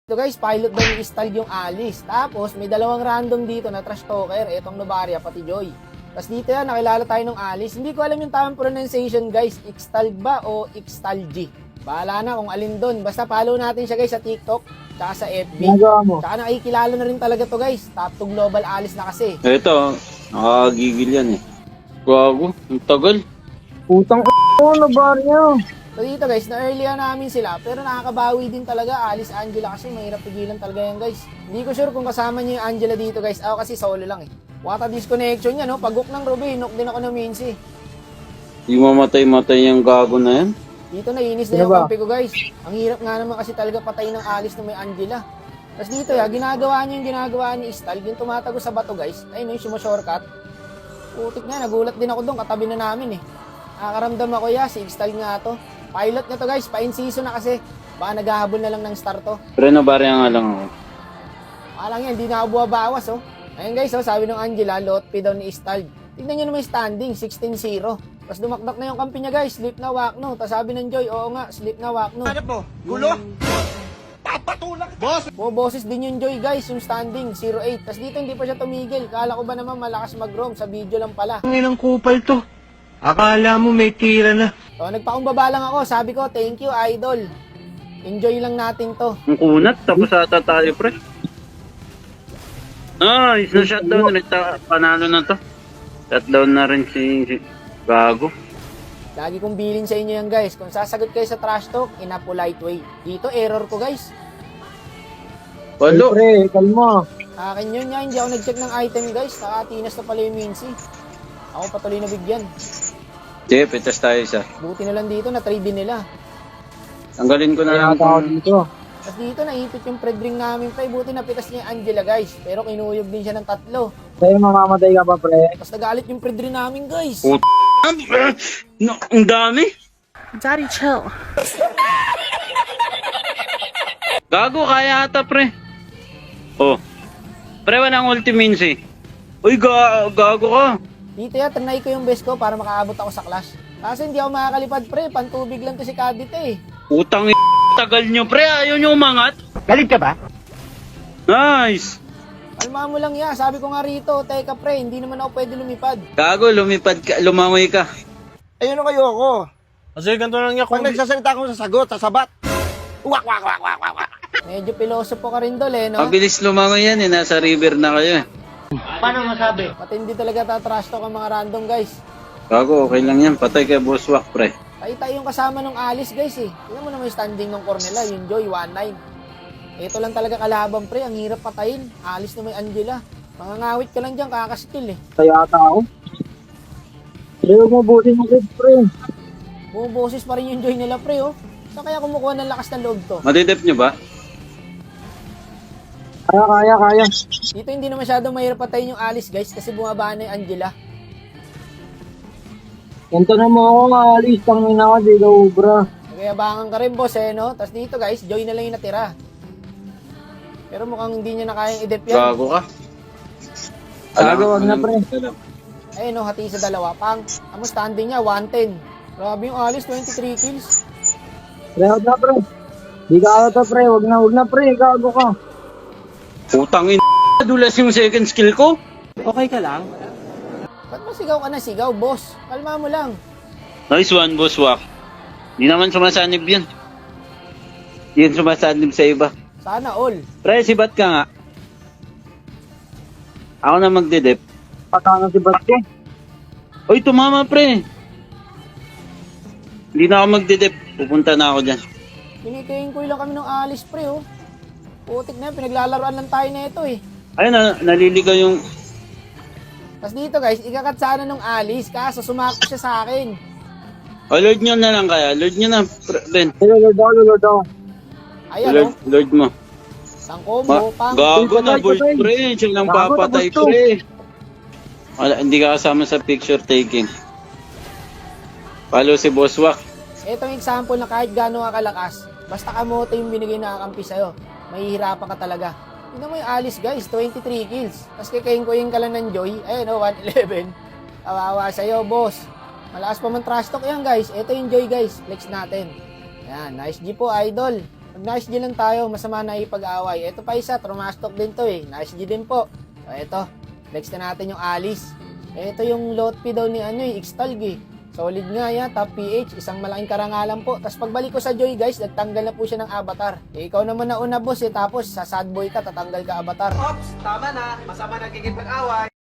So guys, pilot daw ni Stal yung Alice. Tapos may dalawang random dito na trash talker, etong Novaria pati Joy. Tapos dito yan, nakilala tayo ng Alice. Hindi ko alam yung tamang pronunciation guys, Ixtal ba o Ixtalgy. Bahala na kung alin doon. Basta follow natin siya guys sa TikTok, tsaka sa FB. Tsaka nakikilala na rin talaga to guys. Top 2 global Alice na kasi. Ito, nakakagigil yan eh. Gago, ang tagal. Putang Novaria. So dito guys, na-earlyan namin sila, pero nakakabawi din talaga Alice Angela kasi mahirap pigilan talaga yan guys. Hindi ko sure kung kasama niyo yung Angela dito guys. Ako kasi solo lang eh. Wata disconnection niya no, pag-hook ng Ruby, knock din ako ng Mincy. Yung mamatay-matay yung gago na yan. Dito nainis na yung kampi ko guys. Ang hirap nga naman kasi talaga patay ng Alice na may Angela. Tapos dito ginagawa niya yung ginagawa ni Stal, yung tumatago sa bato guys. Ayun yung shortcut. Putik na, nagulat din ako doon, katabi na namin eh. Nakakaramdam ako si Stal nga to. Pilot na to guys, pa-in season na kasi. Baka naghahabol na lang ng star to. Pero nabarya nga lang ako. Alang yan, hindi na ako buwabawas oh. Ayun guys, sabi ng Angela, lot P daw ni Stal. Tignan nyo naman yung standing, 16-0. Tapos dumakdak na yung kampi niya guys, sleep na wak no. Tapos sabi ng Joy, oo nga, sleep na wak no. Ano po? Gulo? Papatulak! Boss! Boses din yung Joy guys, yung standing, 0-8. Tapos dito hindi pa siya tumigil. Kala ko ba naman malakas mag-roam, sa video lang pala. Ang inang kupal to. Akala mo may tira na. So nagpakumbaba lang ako, sabi ko, thank you idol. Enjoy lang natin to. Ang kunat, tapos ata tayo pre. Nice, na-shutdown ulit. Panalo na to. Shutdown na rin si gago. Lagi kong bilin sa inyo yan guys. Kung sasagot kayo sa trash talk, in a polite way. Dito, error ko guys. Walo. Pre, kalma. Akin yun nga, hindi ako nag-check ng item guys. Nakatinas na pala yung Mincy. Ako patuloy na bigyan. Sige, pitas tayo isa. Buti na lang dito, na-trade din nila. Tanggalin ko na lang. Tao dito. Tapos dito, naipit yung predring namin pa. Buti napitas niya yung Angela guys. Pero kinuyog din siya ng 3. Pre, mamamatay ka pa pre. Tapos nagalit yung predring namin guys. No, ang dami. Daddy, chill. Gago, kaya ata pre. Oh. Pre, walang ultimate eh. Uy, gago ka. Dito trinay ko yung best ko para makaabot ako sa clash. Kasi hindi ako makakalipad pre. Pantubig lang to si Kadit eh. Utang tagal nyo pre, ayaw nyo umangat. Galit ka ba? Nice. Kalma mo lang ya. Sabi ko nga rito, teka pre, hindi naman ako pwede lumipad. Gago, lumipad ka, lumangoy ka. Ayun kayo ako. Kasi ganito lang niya Pag nagsasalita ako sa sagot, sasabat. Wak, wak, wak, wak, wak, wak. Medyo pilosopo ka rin dol no? Mabilis lumangoy yan eh, nasa river na kayo eh. Paano masabi? Matindi talaga tatrash talk ang mga random guys. Gago, okay lang yan, patay kay Boss Wak pre. Tayo yung kasama ng Alice guys eh. Tingnan mo naman yung standing ng Cornela, yung Joy, 1-9. Ito lang talaga kalaban pre, ang hirap patayin. Alice na may Angela. Mangangawit ka lang dyan, kakaskill eh. Kaya ata ako. Pre, huwag mabutin mo pre. Bumuboses pa rin yung Joy nila pre oh. Saan kaya kumukuha ng lakas ng loob to? Madidep nyo ba? Kaya. Dito hindi na masyadong mahirap patayin yung Alice guys kasi bumaba na yung Angela. Ganto na mo ako nga, alis. Tangin ako, di ka ubra. Nagayabangan ka rin boss no? Tapos dito guys, Joy na lang yung natira. Pero mukhang hindi niya na kayang i-dep yan. Gago ka. Gago, wag na pre. Ayun no, hati sa dalawa. Pang, ang standing niya, 110. Grabe yung Alice, 23 kills. Pre, wag na pre. Di ka ata pre, wag na pre, gago ka. Utang dulas yung second skill ko. Okay ka lang? Ba't masigaw ka na sigaw, boss? Kalma mo lang. Nice one, Boss Wak. Di naman sumasanib yan. Yan sumasanib sa iba. Sana all. Pre, sibat ka nga. Ako na magdedep. Patanga si Basko. Uy, tumama pre. Hindi na ako magdedep. Pupunta na ako dyan. Kinikingkoy lang kami ng Alice pre oh. Putik na yan, pinaglalaroan lang tayo na ito eh. Ayun na, naliligaw yung... Tapos dito guys, ikakat sana nung Alice, kaso sumakot siya sa akin. O, Lord nyo na lang kaya. Lord nyo na, Ben. Lord daw. Ayan Lord mo. Sang combo, pang. Gago na, boy patay. pre. Siya lang Gago, papatay tapos to. pre. Wala, hindi ka kasama sa picture taking. Follow si Boss Wak. Itong example na kahit gano'n ka kalakas, basta kamote yung binigay na kakampi sa'yo, mahihirapan ka talaga. Tignan mo yung Alice guys, 23 kills. Tapos kikingkoyin ka lang ng Joy, ayun o, 111. Kawawa sa'yo, boss. Malakas pa man trash talk yan guys. Ito yung Joy guys, flex natin. Ayan, nice G po, idol. Nag-nice G lang tayo, masama na ipag-away. Ito pa isa, Trumastok din to eh. Nice G din po. So ito, next na natin yung Alice. Ito yung Lotpi daw ni Ixtalg eh. Solid nga yan, top PH, isang malaking karangalan po. Tapos pagbalik ko sa Joy guys, nagtanggal na po siya ng avatar. Ikaw naman na una boss eh, tapos sa sad boy ka, tatanggal ka avatar. Ops, tama na. Masama nagiging pag-away.